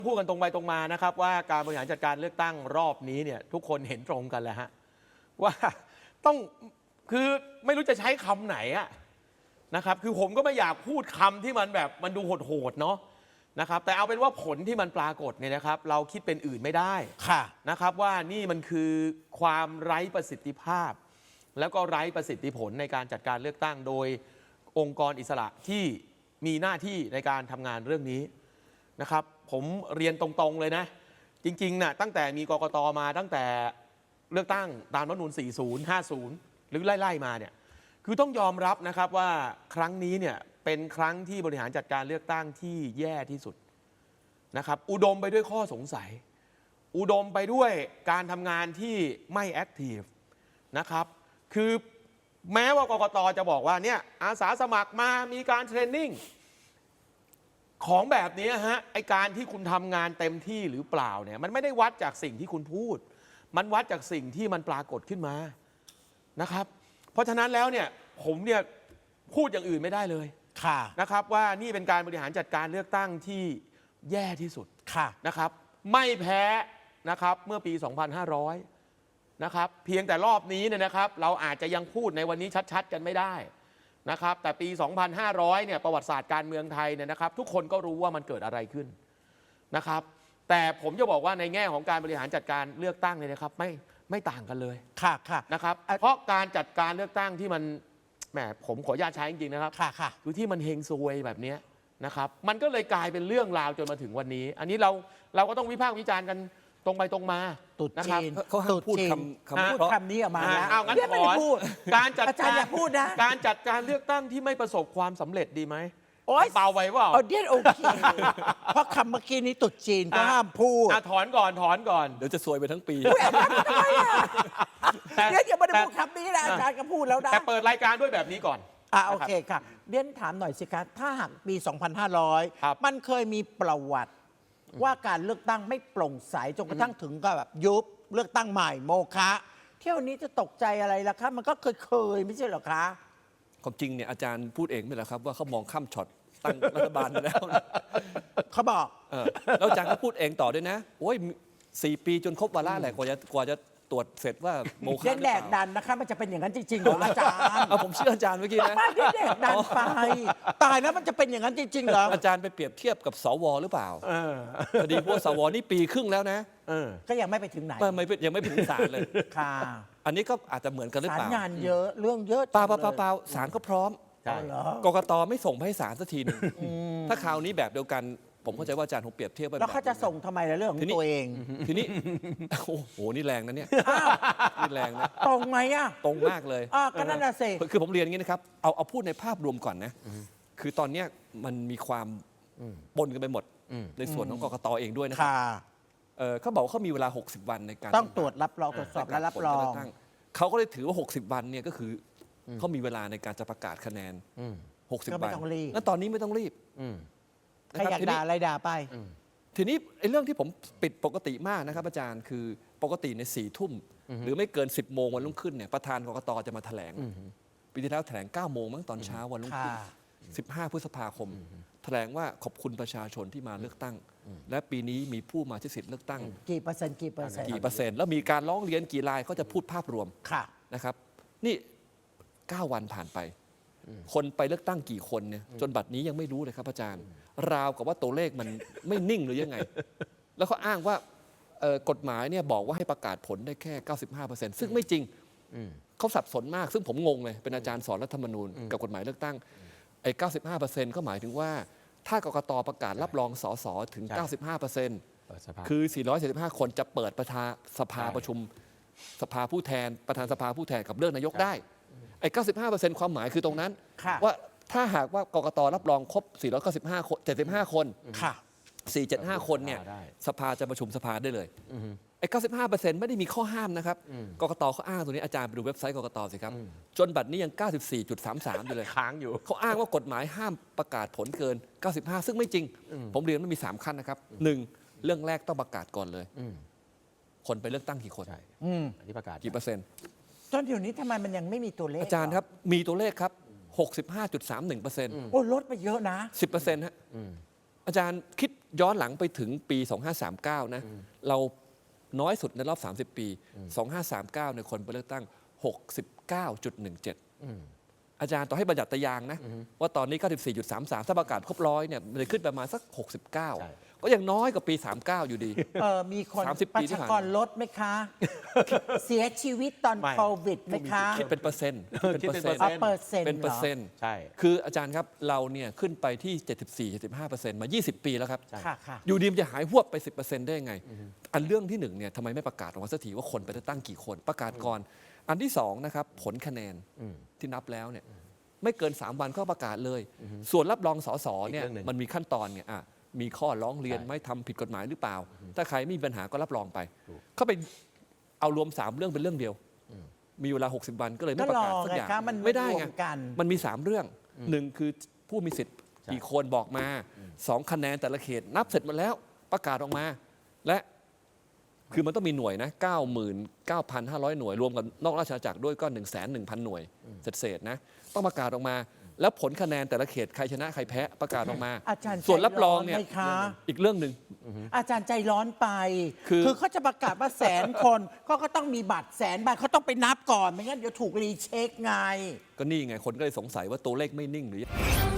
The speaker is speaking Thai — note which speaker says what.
Speaker 1: พูดกันตรงไปตรงมานะครับว่าการบริหารจัดการเลือกตั้งรอบนี้เนี่ยทุกคนเห็นตรงกันแหละฮะว่าต้องคือไม่รู้จะใช้คำไหนอะนะครับคือผมก็ไม่อยากพูดคำที่มันแบบมันดูโหดๆเนาะนะครับแต่เอาเป็นว่าผลที่มันปรากฏเนี่ยนะครับเราคิดเป็นอื่นไม่ได้นะครับว่านี่มันคือความไร้ประสิทธิภาพ แล้วก็ไร้ประสิทธิผลในการจัดการเลือกตั้งโดยองค์กรอิสระที่มีหน้าที่ในการทำงานเรื่องนี้นะครับผมเรียนตรงๆเลยนะจริงๆนะตั้งแต่มีกกต.มาตั้งแต่เลือกตั้งตามรัฐธรรมนูญ40 50หรือไล่ๆมาเนี่ยคือต้องยอมรับนะครับว่าครั้งนี้เนี่ยเป็นครั้งที่บริหารจัดการเลือกตั้งที่แย่ที่สุดนะครับอุดมไปด้วยข้อสงสัยอุดมไปด้วยการทำงานที่ไม่แอคทีฟนะครับคือแม้ว่ากกต.จะบอกว่าเนี่ยอาสาสมัครมามีการเทรนนิ่งของแบบนี้ฮะไอการที่คุณทำงานเต็มที่หรือเปล่าเนี่ยมันไม่ได้วัดจากสิ่งที่คุณพูดมันวัดจากสิ่งที่มันปรากฏขึ้นมานะครับเพราะฉะนั้นแล้วเนี่ยผมเนี่ยพูดอย่างอื่นไม่ได้เลยนะครับว่านี่เป็นการบริหารจัดการเลือกตั้งที่แย่ที่สุดนะครับไม่แพ้นะครับเมื่อปี 2500 นะครับเพียงแต่รอบนี้เนี่ยนะครับเราอาจจะยังพูดในวันนี้ชัดๆกันไม่ได้นะครับแต่ปี 2500 เนี่ยประวัติศาสตร์การเมืองไทยเนี่ยนะครับทุกคนก็รู้ว่ามันเกิดอะไรขึ้นนะครับแต่ผมจะบอกว่าในแง่ของการบริหารจัดการเลือกตั้งเนี่ยนะครับไม่ต่างกันเลยนะครับเพราะการจัดการเลือกตั้งที่มันแหมผมขออนุญาตใช้จริงๆนะครับคือที่มันเฮงซวยแบบนี้นะครับมันก็เลยกลายเป็นเรื่องราวจนมาถึงวันนี้อันนี้เราก็ต้องวิพากษ์วิจารณ์กันตรงไปตรงมานะครับ
Speaker 2: เขาห้ามพูดคำนี้ออกมาแล้ว
Speaker 1: เอางั้นขอการจัดการเลือกตั้งที่ไม่ประสบความสำเร็จดีไหมเบาไว้ว่า
Speaker 2: เดี๋ยวโอเคเพราะคำเมื่อกี้นี้ตุดจีนก็ห้ามพูด
Speaker 1: ถอนก่อน
Speaker 3: เดี๋ยวจะซวยไปทั้งปี
Speaker 2: เดี๋ยวอย่ามาพูดคำนี้นะอาจารย์ก็พูดแล้วนะ
Speaker 1: แต่เปิดรายการด้วยแบบนี้ก่อน
Speaker 2: โอเคค่ะเรียนถามหน่อยสิคะถ้าหากปี 2500 มันเคยมีประวัติว่าการเลือกตั้งไม่โปร่งใสจนกระทั่งถึงก็แบบยุบเลือกตั้งใหม่โมฆะเที่ยวนี้จะตกใจอะไรล่ะคะมันก็เคยไม่ใช่หรอคะ
Speaker 3: ความจริงเนี่ยอาจารย์พูดเองไม่หรอครับว่าเขามองข้ามช็อตตั้งรัฐบาลไปแล้ว
Speaker 2: เขาบอก
Speaker 3: แล้วอาจารย์ก็พูดเองต่อด้วยนะโอ้ย4 ปีจนครบวาระแหละกว่าจะตรวจเสร็จว่าโมฆะหรือเปล่า
Speaker 2: แดกดันนะคะมันจะเป็นอย่างนั้นจริงๆเหรออาจารย์
Speaker 3: ผมเชื่ออาจารย์เมื่อกี้นะ
Speaker 2: ไม่แดกดันไปตายแล้วมันจะเป็นอย่างนั้นจริงๆเหรอ
Speaker 3: อาจารย์ไปเปรียบเทียบกับสวหรือเปล่าพอดีพวกสวนี่ปีครึ่งแล้วนะ
Speaker 2: ก็ยังไม่ไปถึงไหน
Speaker 3: ยังไม่ถึงศาลเลย
Speaker 2: ค่ะ
Speaker 3: อันนี้ก็อาจจะเหมือนกันหรือเปล่า
Speaker 2: ศาลงานเยอะเรื่องเยอะ
Speaker 3: เปล่าศาลก็พร้อมกกตไม่ส่งให้ศาลสักทีนึงถ้าคราวนี้แบบเดียวกันผมเข้าใจว่าอาจารย์คงเปรียบเทียบไป
Speaker 2: แล้วเขาจะส่งทำไมในเรื่องของตัวเอง
Speaker 3: ทีนี้โอ้โหนี่แรงนะเนี่ยนี่แรงนะ
Speaker 2: ตรงไหม
Speaker 3: ตรงมากเลย
Speaker 2: ก็นั่นน่ะสิ
Speaker 3: คือผมเรียนอย่างนี้นะครับเอาพูดในภาพรวมก่อนนะคือตอนนี้มันมีความปนกันไปหมดในส่วนของกกตเองด้วยนะครับเขาบอกเขามีเวลา60 วันในการ
Speaker 2: ต้องตรวจรับรองตรวจสอบและรับรอง
Speaker 3: เขาก็เลยถือว่า60 วันเนี่ยก็คือเขามีเวลาในการจะประกาศคะแนน60 วันแล้วตอนนี้ไม่ต้องรีบ
Speaker 2: ใครอยากด่าอะไรด่าไป
Speaker 3: ทีนี้ไอ้เรื่องที่ผมปิดปกติมากนะครับอาจารย์คือปกติใน4 ทุ่มหรือไม่เกิน10 โมงวันรุ่งขึ้นเนี่ยประธานกกตจะมาแถลงปีที่แล้วแถลง9 โมงมั้งตอนเช้าวันรุ่งขึ้น15 พฤษภาคมแถลงว่าขอบคุณประชาชนที่มาเลือกตั้งและปีนี้มีผู้มาใช้สิทธิ์เลือกตั้ง
Speaker 2: กี่เปอร์เซ็นต์
Speaker 3: แล้วมีการร้องเรียนกี่รายเขาจะพูดภาพรวมนะครับนี่9 วันผ่านไปคนไปเลือกตั้งกี่คนเนี่ยจนบัดนี้ยังไม่รู้เลยครับอาจารย์ราวกับว่าตัวเลขมันไม่นิ่งหรือยังไงแล้วเขาอ้างว่ากฎหมายเนี่ยบอกว่าให้ประกาศผลได้แค่ 95% ซึ่งไม่จริงเขาสับสนมากซึ่งผมงงเลยเป็นอาจารย์สอนรัฐธรรมนูญกับกฎหมายเลือกตั้งไอ้ 95% ก็หมายถึงว่าถ้ากกตประกาศรับรองสสถึง 95% คือ 475 คนจะเปิดสภาประชุมสภาผู้แทนประธานสภาผู้แทนกับเลือกนายกได้ไอ้ 95% ความหมายคือตรงนั้นว่าถ้าหากว่ากกตรับรองครบ 495 คน 75 คน475 คนเนี่ยสภาจะประชุมสภาได้เลยไอ้ 95% ไม่ได้มีข้อห้ามนะครับกกตเขาอ้างตัวนี้อาจารย์ไปดูเว็บไซต์กกตสิครับจนบัดนี้ยัง 94.33 อยู่เลย
Speaker 1: ค้างอยู่
Speaker 3: เขาอ้างว่ากฎหมายห้ามประกาศผลเกิน 95 ซึ่งไม่จริงผมเรียนมันมี3 ขั้นนะครับ1เรื่องแรกต้องประกาศก่อนเลยคนไปเลือกตั้งกี่คน
Speaker 1: อันนี้ประกาศ
Speaker 3: กี่เปอร์เซ็นต์
Speaker 2: ตอนเดี๋ยวนี้ทำไมมันยังไม่มีตัวเลข
Speaker 3: อาจารย์ครับมีตัวเลขครับ 65.31%
Speaker 2: โอ้ลดไปเยอะนะ
Speaker 3: 10%ฮะอาจารย์คิดย้อนหลังไปถึงปี 2539 นะ เราน้อยสุดในรอบ 30 ปี 2539 ในคนไปเลือกตั้ง 69.17 อาจารย์ต่อให้บัญญัติยางนะ ว่าตอนนี้ 94.33 ถ้าประกาศครบ100เนี่ยมันจะขึ้นประมาณสัก 69 ก็ยังน้อยกว่าปี 39 อยู่ดี
Speaker 2: มีคน
Speaker 3: 30
Speaker 2: ป
Speaker 3: ปี
Speaker 2: ระ
Speaker 3: ที่
Speaker 2: ชา
Speaker 3: ผ่าน
Speaker 2: กรลดไหมคะ เสียชีวิตตอน
Speaker 1: ไม่
Speaker 2: โควิดไหมคะ
Speaker 3: คิดเป็นเปอร์เซ็นต์
Speaker 1: คิดเป็นเปอร์
Speaker 2: อ๋อ
Speaker 1: ซ็นต์
Speaker 2: เปอร์เซ็นต์
Speaker 3: เป็น
Speaker 2: เห
Speaker 3: เป
Speaker 2: ร
Speaker 3: อ
Speaker 2: อ
Speaker 3: ร์เซ็นต์
Speaker 1: ใช่
Speaker 3: คืออาจารย์ครับเราเนี่ยขึ้นไปที่ 74-75% มา 20 ปีแล้วครับ
Speaker 2: ค่ะค่ะ
Speaker 3: อยู่ดีมันจะหายหวบไป 10% ได้ยังไง อันเรื่องที่หนึ่งเนี่ยทำไมไม่ประกาศออกมาสักทีว่าคนไปเลือกตั้งกี่คนประกาศก่อน อันที่สองนะครับผลคะแนนที่นับแล้วเนี่ยไม่เกิน 3 วันก็ประกาศเลย ส่วนรับรองสสเนี่ย
Speaker 1: อีกเรื่องหนึ่ง
Speaker 3: มันมีขั้นตอนไงมีข้อร้องเรียน
Speaker 1: ใช่
Speaker 3: ไหมทำผิดกฎหมายหรือเปล่า ถ้าใครไม่มีปัญหาก็รับรองไป เขาไปเอารวม 3 เรื่องเป็นเรื่องเดียว มีเวลา 60 วันก็เลยไม่ประกาศสักอย่าง
Speaker 2: ก็รอไงคะมัน
Speaker 3: ไม่ได้
Speaker 2: รว
Speaker 3: ไง
Speaker 2: มกัน
Speaker 3: มันมี 3 เรื่องหนึ่งคือผู้มีสิทธิ์กี่คนบอกมา 2 คะแนนแต่ละเขตนับเสร็จหมาแล้วประกาศออกมา และคือมันต้องมีหน่วยนะ 99,500 หน่วย รวมกับนอกราชอาณาจักรด้วยก็ 1,100,000 หน่วยเศษๆนะต้องประกาศออกมา แล้วผลคะแนนแต่ละเขตใครชนะใครแพ้ประกาศออกมา
Speaker 2: อาจารย์
Speaker 3: ส่วนรับรองเนี่ย
Speaker 2: ใจไหมคะ
Speaker 3: อีกเรื่องหนึ่ง
Speaker 2: อาจารย์ใจร้อนไป
Speaker 3: คือ
Speaker 2: เขาจะประกาศว่า100,000 คนก็ต้องมีบัตร100,000 ใบเขาต้องไปนับก่อน ไม่งั้นเดี๋ยวถูกรีเช็คไง
Speaker 3: ก็นี่ไงคนก็เลยสงสัยว่าตัวเลขไม่นิ่งหรือ
Speaker 4: Come